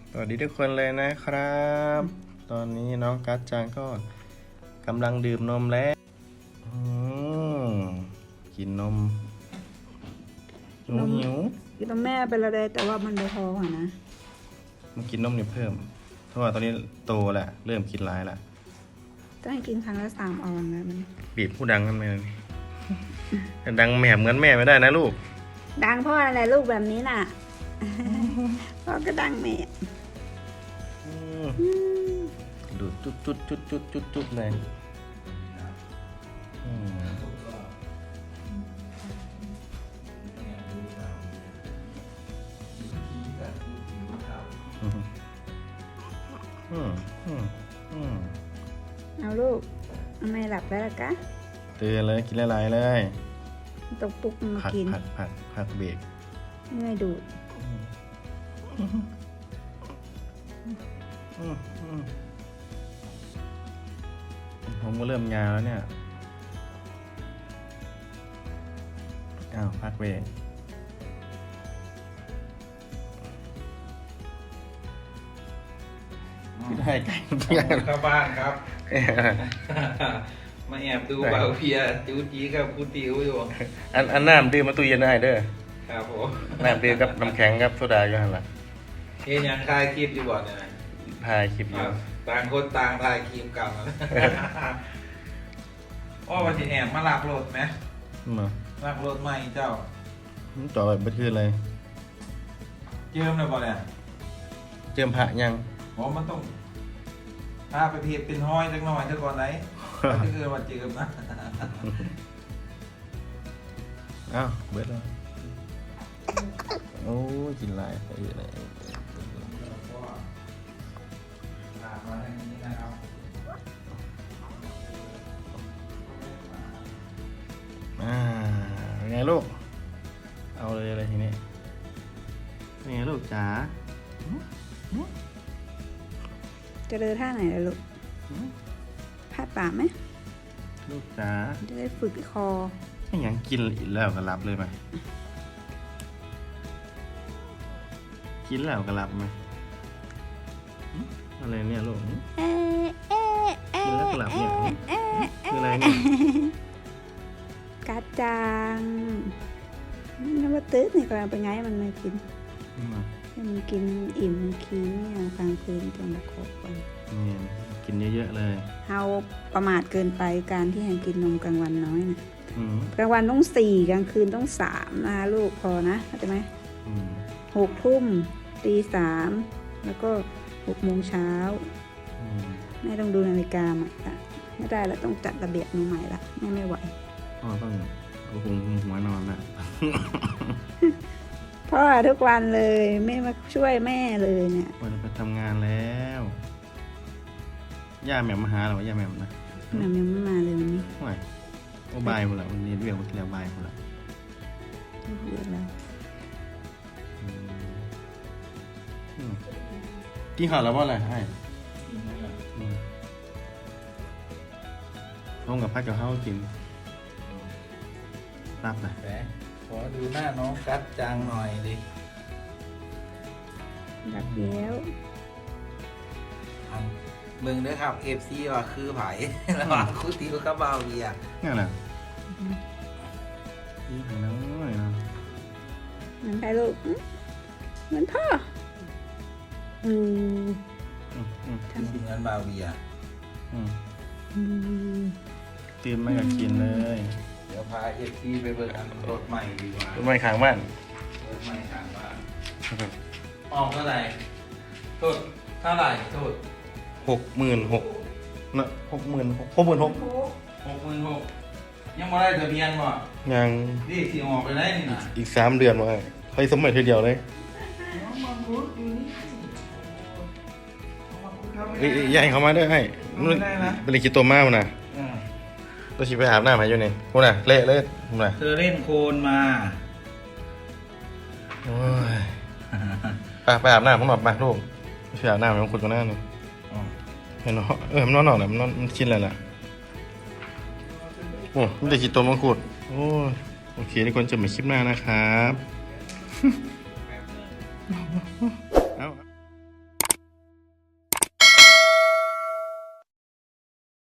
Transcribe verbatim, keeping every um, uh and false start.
สวัสดีทุกคนเลยนะครับ ตอนนี้น้องกัจจังก็กำลังดื่มนมแล้วอืมกินนมหิวหิวกินนมแม่ไปแล้วเลยแต่ว่ามันไม่พออ่ะนะมากินนมเนี่ยเพิ่ม เพราะว่าตอนนี้โตแหละเริ่มกินร้ายละต้องให้กินครั้งละสามออนนะมันบีบผู้ดังกันไหมแต่ดังแหมเหมือนแม่ไม่ได้นะลูกดังพ่ออะไรลูกแบบนี้น่ะ พ่อก็ดังแม่อืมดูดจุดจุดจุดจุดจุดจุดเลยอืมอืมอืมอืมอืมเอาลูกทำไมหลับแล้วล่ะกะเตือนเลยกินหลายๆเลยตกปุ๊กมาผักกินผักผักผักเบรกเมื่อยดูดอืมอืมผมก็เริ่มยาวแล้วเนี่ยอ้าวพักเบรกไม่ได้ไก่เข้าบ้านครับ มาแอบดูเบาเพียจูจีกับคูติวอยู่อันอันน้ำดื่มมาตู้เย็นได้เด้อครับผมน้ำดื่มกับน้ำแข็งกับโซดาอยู่หันละเฮ้ยยังคลายคลิปอยู่บ่เนี่ยถ่ายคลิปอยู่ต่างคนต่างคลายคลิปกันอ้อวันที่แอบมาลักรถไหมมาลักรถใหม่เจ้าจ่อแบบไม่ขึ้นเลยเจิมเลยบ่เนี่ยเจิมพระยังผมมันต้องพาไปเทียบเป็นห้อยจักหน่อยเท่าก่อนไหนถ้าเกิดว่าเจิมนะอ้าวเบิดแล้วโอ้ยกินหลายไปเยอะเลยลากมาทางนี้นะครับอ่าเป็นไงลูก เอาเลยอะไรทีนี้เป็นไงลูกจ๋าจะเดินท่าไหนล่ะลูกหืมพาดปากไหมลูกจ๋าจะได้ฝึกคอไม่ยังกินอีกแล้วก็รับเลยไหมกินแล้วก็รับไหมหืมอะไรเนี่ยลูกหืมเอ๊ะเอ๊ะเอ๊ะกินแล้วก็หลับเนี่ยเอ๊ะคืออะไรเนี่ยกัดจังนี่ว่าตื้อนี่กำลังเป็นไงมันไม่กินอืมให้มันกินอิ่มมันคีนเนี่ยกลางคืนจนมาครบกันนี่กินเยอะๆเลยเฮาประมาทเกินไปการที่ให้กินนมกลางวันน้อยนะอืมกลางวันต้องสี่กลางคืนต้องสามนะคะลูกพอนะเข้าใจไหมอืมหกทุ่มตีสามแล้วก็หกโมงเช้าอืมแม่ต้องดูนาฬิกาใหม่ละไม่ได้แล้วต้องจัดระเบียบหนูใหม่ละแม่ไม่ไหวพ่อต้องเอาหุงหัวนอนละพ่อทุกวันเลยไม่มาช่วยแม่เลยเนี่ยวันไปทำงานแล้วย่าแหม่มมาหาเหรอย่าแหม่มนะแม่ยังไม่มาเลยวันนี้ไม่โอ้บายหมดละวันนี้เรียกว่าเรียกบายหมดละเรียกแล้วอืมอืมกินข้าวแล้วว่าอะไรให้อืมลงกับพักกับข้าวกินรับเลยแหมขอดูหน้าน้องกัดจังหน่อยดิรับแล้วอันมึงด้วยครับ เอฟ ซี ว่าคือไผ่ ระหว่างคูติวกับเบาเพียนี่แหละกินไข่น้อยนะเหมือนใครลูกอื้อเหมือนพ่ออืมอืมอืมทำสิเหมือนเบาเพียอืมอืมตื่นมาก็กินเลยเดี๋ยวพาเอฟซีไปเบิกอันรถใหม่ดีกว่าต้นไม้ข้างบ้านรถใหม่ถามว่าออกเท่าไหร่โทษเท่าไหร่โทษหกหมื่นหกนะหกหมื่นหกหกหมื่นหกหกหมื่นหกยังไม่ได้ทะเบียนบ่ยังนี่สิออกไปได้นี่นะอีกสามเดือนว่าเคยสมัยทีเดียวเลยเอ้ยใหญ่เขามาด้วยให้เป็นลิขิตตัวมากนะอืมตัวชีไปอาบน้ำมาอยู่นี่คุณน่ะเละเลยคุณน่ะเธอเล่นโคลนมาโอ้ยไปไปอาบน้ำผมอาบมาลูกไปอาบน้ำมันขุดกันหน้านี่เห็นเนาะเออมันนอนนอนแหละมันนอนมันชินแล้วแหละโอ้ไม่ได้คิดตัวมังคุดโอ้ยโอเคทุกคนเจอกันใหม่คลิปหน้านะครับ